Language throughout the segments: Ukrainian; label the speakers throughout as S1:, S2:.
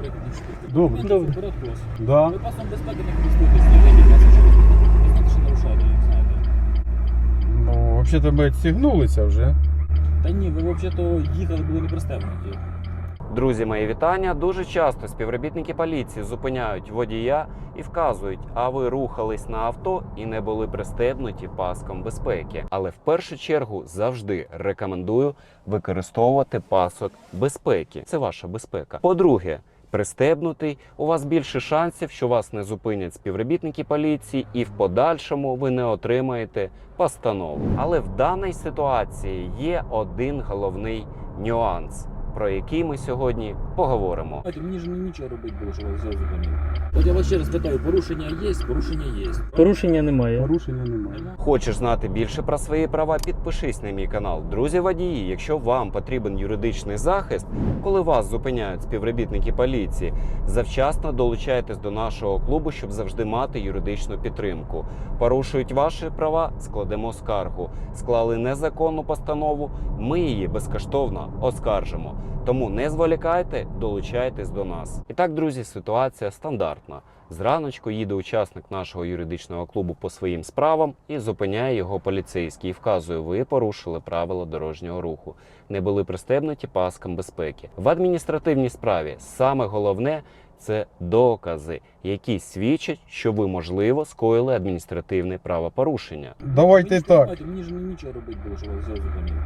S1: Добре.
S2: Добре.
S1: В порядку у вас.
S2: Да.
S1: Ви пасом безпеки не користуєтесь, не вийдіть, вас що ви знаєте, що нарушаєте, не знаєте.
S2: Ну, взагалі-то ми відстігнулися вже.
S1: Та ні, ви взагалі-то їхали, були не пристебнуті.
S3: Друзі, мої вітання. Дуже часто співробітники поліції зупиняють водія і вказують, а ви рухались на авто і не були пристебнуті паском безпеки. Але в першу чергу завжди рекомендую використовувати пасок безпеки. Це ваша безпека. По-друге, пристебнутий, у вас більше шансів, що вас не зупинять співробітники поліції і в подальшому ви не отримаєте постанову. Але в даній ситуації є один головний нюанс, про який ми сьогодні поговоримо.
S1: Мені ж нічого робити було, що вас взяв зупинив. От я вас ще раз питаю, порушення є? Порушення є.
S4: Порушення немає.
S2: Порушення немає.
S3: Хочеш знати більше про свої права? Підпишись на мій канал. Друзі водії, якщо вам потрібен юридичний захист, коли вас зупиняють співробітники поліції, завчасно долучайтесь до нашого клубу, щоб завжди мати юридичну підтримку. Порушують ваші права, складемо скаргу. Склали незаконну постанову, ми її безкоштовно оскаржимо. Тому не зволікайте, долучайтесь до нас. І так, друзі, ситуація стандартна. Зраночку їде учасник нашого юридичного клубу по своїм справам і зупиняє його поліцейський і вказує: ви порушили правила дорожнього руху, не були пристебнуті паском безпеки. В адміністративній справі саме головне – це докази, які свідчать, що ви, можливо, скоїли адміністративне правопорушення.
S2: Давайте так.
S1: Мені ж нічого робити було, що вас взяв зупинив.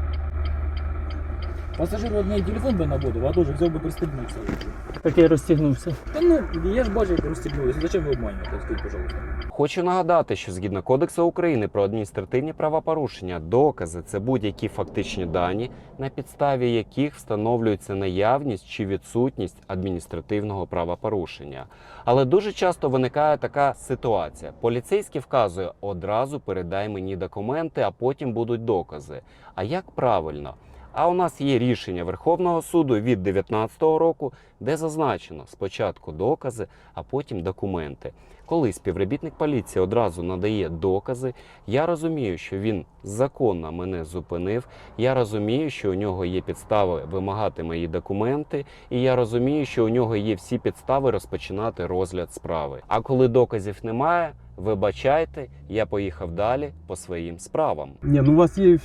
S1: Пасажир одне телефон би наводив, а теж взяв би пристебнувся.
S4: Так я розтягнувся.
S1: Та ну, я ж бачив, як розстібнулися. Зачем ви обманюєте? Скажіть, пожалуйста.
S3: Хочу нагадати, що згідно Кодексу України про адміністративні правопорушення, докази – це будь-які фактичні дані, на підставі яких встановлюється наявність чи відсутність адміністративного правопорушення. Але дуже часто виникає така ситуація. Поліцейський вказує: одразу передай мені документи, а потім будуть докази. А як правильно? А у нас є рішення Верховного суду від 2019 року, де зазначено спочатку докази, а потім документи. Коли співробітник поліції одразу надає докази, я розумію, що він законно мене зупинив, я розумію, що у нього є підстави вимагати мої документи, і я розумію, що у нього є всі підстави розпочинати розгляд справи. А коли доказів немає, вибачайте, я поїхав далі по своїм справам.
S2: Ні, ну у вас є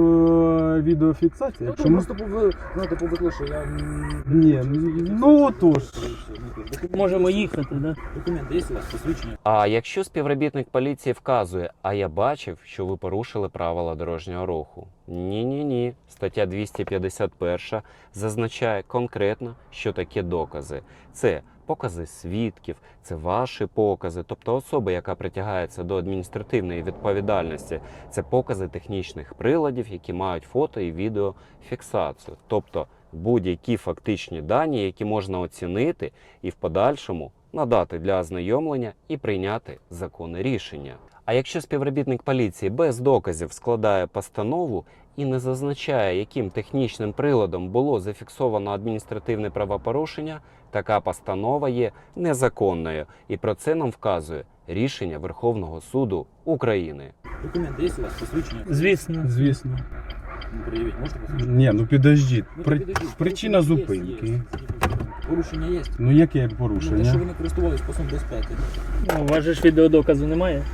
S2: відеофіксація?
S1: Ну,
S2: Чому?
S1: просто повикло, що я...
S2: Ні, ну отож.
S4: Можемо їхати, да?
S1: Документи є у вас, посвідчення?
S3: А якщо співробітник поліції вказує: а я бачив, що ви порушили правила дорожнього руху. Ні. Стаття 251 зазначає конкретно, що таке докази. Це покази свідків, це ваші покази, тобто особа, яка притягається до адміністративної відповідальності, це покази технічних приладів, які мають фото і відеофіксацію. Тобто будь-які фактичні дані, які можна оцінити і в подальшому надати для ознайомлення і прийняти законне рішення. А якщо співробітник поліції без доказів складає постанову і не зазначає, яким технічним приладом було зафіксовано адміністративне правопорушення, така постанова є незаконною. І про це нам вказує рішення Верховного суду України.
S1: Документи є у вас, посвідчення?
S4: Звісно.
S2: Звісно.
S1: Ну, пред'явіть, можете посвідчення?
S2: Ні, ну підождіть.
S1: Ну,
S2: Причина
S1: порушення
S2: зупинки.
S1: є. Порушення є.
S2: Ну яке
S1: Ну, те, що
S2: порушення?
S1: ви не користувались пасом безпеки.
S4: Ну, у вас же ж відеодоказу немає?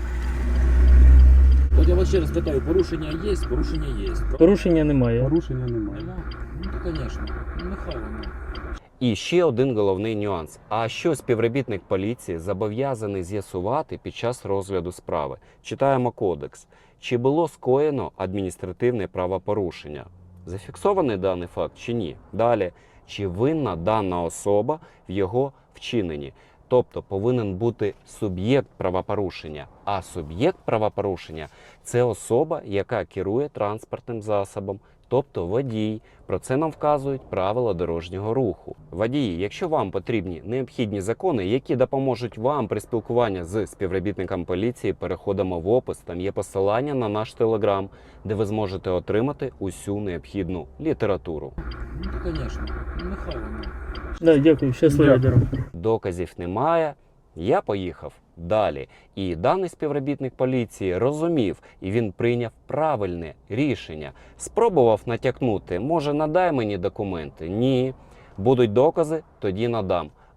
S1: От я вас ще раз питаю, порушення є? Порушення є.
S4: Порушення немає.
S2: Порушення немає.
S1: Нема? Ну, то, звісно. Ну, нехай воно.
S3: І ще один головний нюанс. А що співробітник поліції зобов'язаний з'ясувати під час розгляду справи? Читаємо кодекс. Чи було скоєно адміністративне правопорушення? Зафіксований даний факт чи ні? Далі. Чи винна дана особа в його вчиненні? Тобто повинен бути суб'єкт правопорушення. А суб'єкт правопорушення – це особа, яка керує транспортним засобом, тобто водій. Про це нам вказують правила дорожнього руху. Водії, якщо вам потрібні необхідні закони, які допоможуть вам при спілкуванні з співробітником поліції, переходимо в опис, там є посилання на наш телеграм, де ви зможете отримати усю необхідну літературу.
S1: Ну, то, звісно. Ну, нехай воно.
S4: Да, дякую, щасливої
S2: Дякую.
S4: дороги.
S3: Доказів немає, я поїхав далі. І даний співробітник поліції розумів, і він прийняв правильне рішення. Спробував натякнути: може, надай мені документи? Ні. Будуть докази, тоді надам.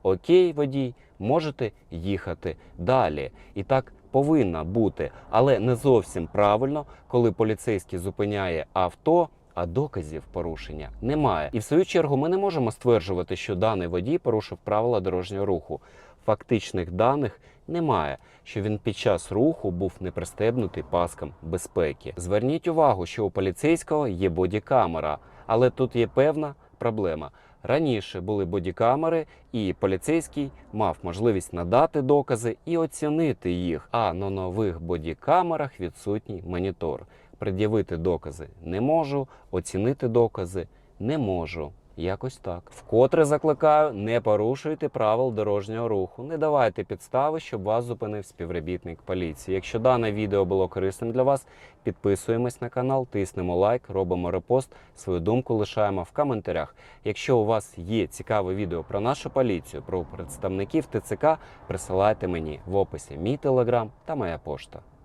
S3: окей, водій, можете їхати далі. І так повинно бути, але не зовсім правильно, коли поліцейський зупиняє авто, а доказів порушення немає. І в свою чергу ми не можемо стверджувати, що даний водій порушив правила дорожнього руху. Фактичних даних немає, що він під час руху був не пристебнутий паскам безпеки. Зверніть увагу, що у поліцейського є бодікамера, але тут є певна проблема. Раніше були бодікамери, і поліцейський мав можливість надати докази і оцінити їх, а на нових бодікамерах відсутній монітор. Пред'явити докази не можу, оцінити докази не можу. Якось так. Вкотре закликаю, не порушуйте правил дорожнього руху. Не давайте підстави, щоб вас зупинив співробітник поліції. Якщо дане відео було корисним для вас, підписуємось на канал, тиснемо лайк, робимо репост, свою думку лишаємо в коментарях. Якщо у вас є цікаве відео про нашу поліцію, про представників ТЦК, присилайте мені в описі мій телеграм та моя пошта.